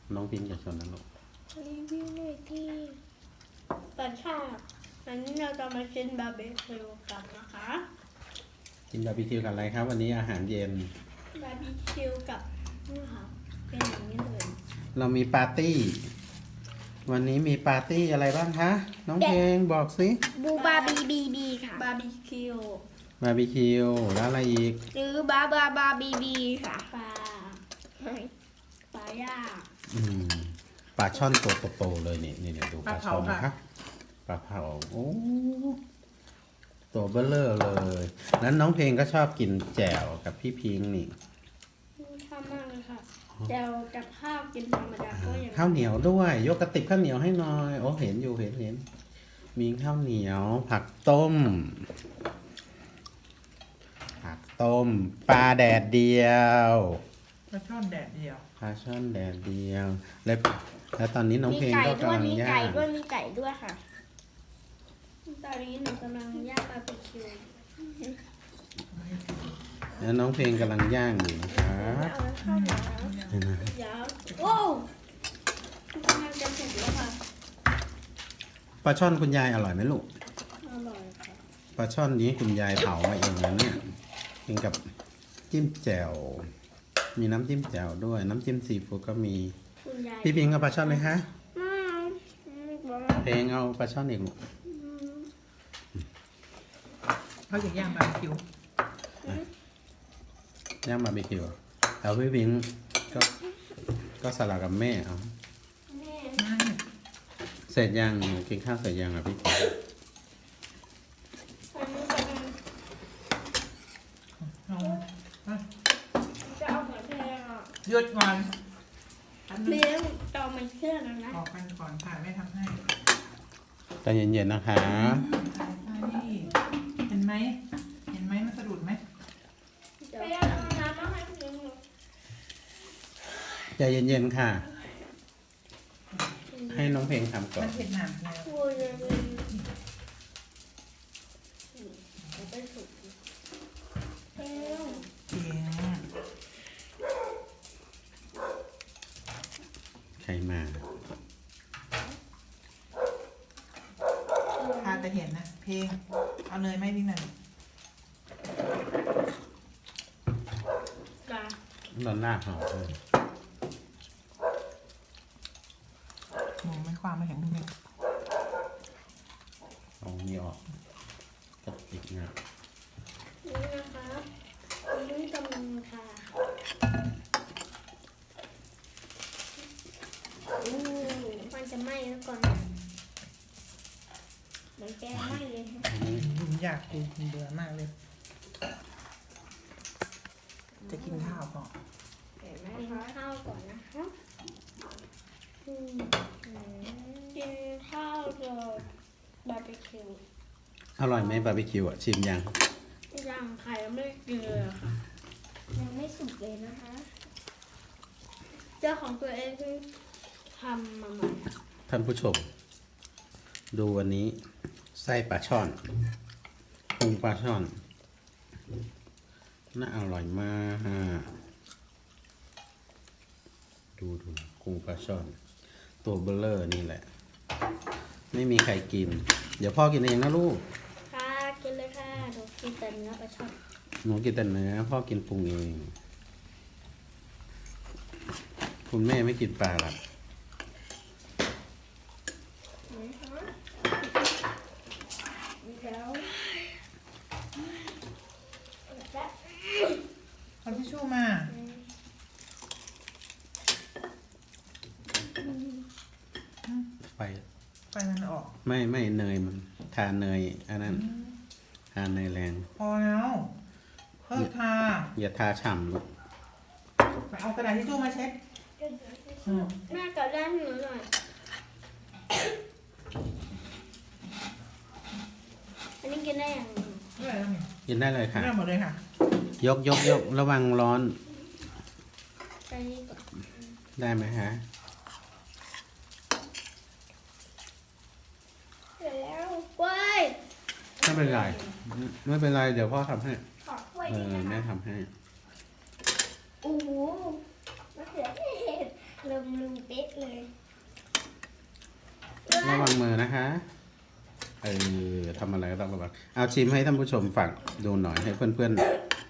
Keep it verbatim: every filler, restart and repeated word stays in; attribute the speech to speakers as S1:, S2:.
S1: น้องพิงจะชนนะลูก
S2: รีวิวหน่อยที่ตอนค่ะวันนี้เราจะมากินบาร์บีคิวกันนะคะ
S1: กินบาร์บีคิวกับอะไรครับวันนี้อาหารเย็น
S2: บาร์บีคิวกับนี่ค่ะเป็นอย่างนี้เลย
S1: เรามีปาร์ตี้วันนี้มีปาร์ตี้อะไรบ้างคะน้องเพลงบอกสิ
S2: บูบาร์บีบีบีค่ะบาร์บีคิว
S1: บาร์บีคิวแล้วอะไรอีก
S2: หรือบาบาบาร์บีบีค่ะปลาปลาย่าง
S1: อืมปลาช่อนตัวโตๆเลยนี่นี่ดูปลาช่อนนะครับปลาเผาโอ้ตัวเบลเลอร์เลยนั้นน้องเพลงก็ชอบกินแจ่วกับพี่พิงนี่
S2: ชอบมากเลยค่ะแจ่วกับข้าวกินธรรมดาก็ยัง
S1: ข้าวเหนียวด้วยยกกระติบข้าวเหนียวให้หน่อยโอ้เห็นอยู่เห็นเห็นมีข้าวเหนียวผักต้มผักต้มปลาแดดเดียว
S3: ปลาช่อนแดดเดียว
S1: ปลาช่อนแดดเดียวแล้วแล้วตอนนี้น้องเพลงก็กำลังย่าง
S2: มีไก่ด้วยมีไก่ด้วยค่ะตอนนี้หนูกำลังย่างบาร์บีคิว
S1: แล้วน้องเพลงกำลังย่างอยู่นะครับ
S2: เดี๋ยวโอ้กำลังจะเสร็จแล้วค่ะ
S1: ปลาช่อนคุณยายอร่อยไหมลูก
S2: อร่อยค่ะ
S1: ปลาช่อนนี้คุณยายเผามาเองนะเนี่ยกินกับจิ้มแจ่วมีน้ำจิ้มแจ่วด้วยน้ำจิ้มซีฟู้ดก็มีพี่พิงเอาปลาช่อนเลยฮะเพลงเอาปลาช่อนอีกลูก
S3: เขาอยากย่างบาร์บีคิว
S1: ย่างบาร์บีคิวแล้วพี่พิงก็ก็สลับกับแม่เอาเสร็จยังกินข้าวเสร็จยังอ่ะพี่
S2: จะเอาเหมือนแพงอ่ะ
S3: หยุดก่อน
S2: เลี้ยงต่อมันเชื่อนะนะ
S3: ออกกันก่อนค่ะไม่ทำให้
S1: ใจเย็นๆนะคะ
S3: เห็นไหมเห็นไหมมันสะดุดไหม
S2: ไปเอาน้ำมาให้พี่
S1: ใจเย็นๆค่ะให้น้องเพลงทำก่อน
S3: มันเผ็ดหนามแล้ว
S2: โอ้ยเลยไปถูกเอ้า
S3: เก่ง
S1: ใครมา
S3: พาแต่เห็นนะเพลงเอาเนยไหมนิดหน่อย
S2: จ้า
S1: ร้อนหน้าหอมเลย
S3: หมูไม่ความไม่แข็งพี่เพลง
S1: เอานี่ออกกับอีกนะ
S2: นี่นะคะนี่ตำลึงค่ะอืมมันจะไหม้แล้วก่อนเหมือนแกไหม้เลย
S3: ผมอยากกินเบื่อมากเลยจะกินข้าวก่อน
S2: กินข้าวก่อนนะคะกินข้าวกับบาร์บีคิว
S1: อร่อยไหมบาร์บีคิวอ่ะชิมยัง
S2: ยังไข่ไม่กินเลยค่ะยังไม่สุกเลยนะคะเจ้าของตัวเองคือทำมาใหม่
S1: ท่านผู้ชมดูวันนี้ไส้ปลาช่อนพุงปลาช่อนน่าอร่อยมากดูดูพุงปลาช่อนตัวเบลเลอร์นี่แหละไม่มีใครกินเดี๋ยวพ่อกินเองนะลูก
S2: ค่ะกินเลยค่ะหนูกินแต่เนื้อปลาช่อน
S1: หนูกินแต่เนื้อพ่อกินพุงเองคุณแม่ไม่กินปลาหรอก
S3: เอาทิชชู่มา
S1: ไฟ
S3: ไฟมันออก
S1: ไม่ไม่เนยมันทานเนยอันนั้นทานเนยแรง
S3: พอแล้วเพิ่มทา
S1: อย่าทาฉ่ำลูก
S3: ไปเอากระดาษทิชชู่มาเช็ด
S2: แม่กับด้านหนูหน่อยอันนี้กินได้ยัง
S1: กินได้เลยค่ะ
S3: ได้หมดเลยค่ะ
S1: ยกยกยกระวังร้อน
S2: ใส่นี่ก่อน
S1: ได้ไหมฮะ
S2: เสร็จแล้วกล้วย
S1: ไม่เป็นไรไม่เป็นไรเดี๋ยวพ่อทำให้
S2: ขอกล้วย
S1: เออแม่ทำให้
S2: โอ้โหมะเขือเทศเริ่มลูกเป๊ะเลย
S1: ระวังมือนะคะ เออทำอะไรก็ต้องระวังเอาชิมให้ท่านผู้ชมฟังดูหน่อยให้เพื่อนๆ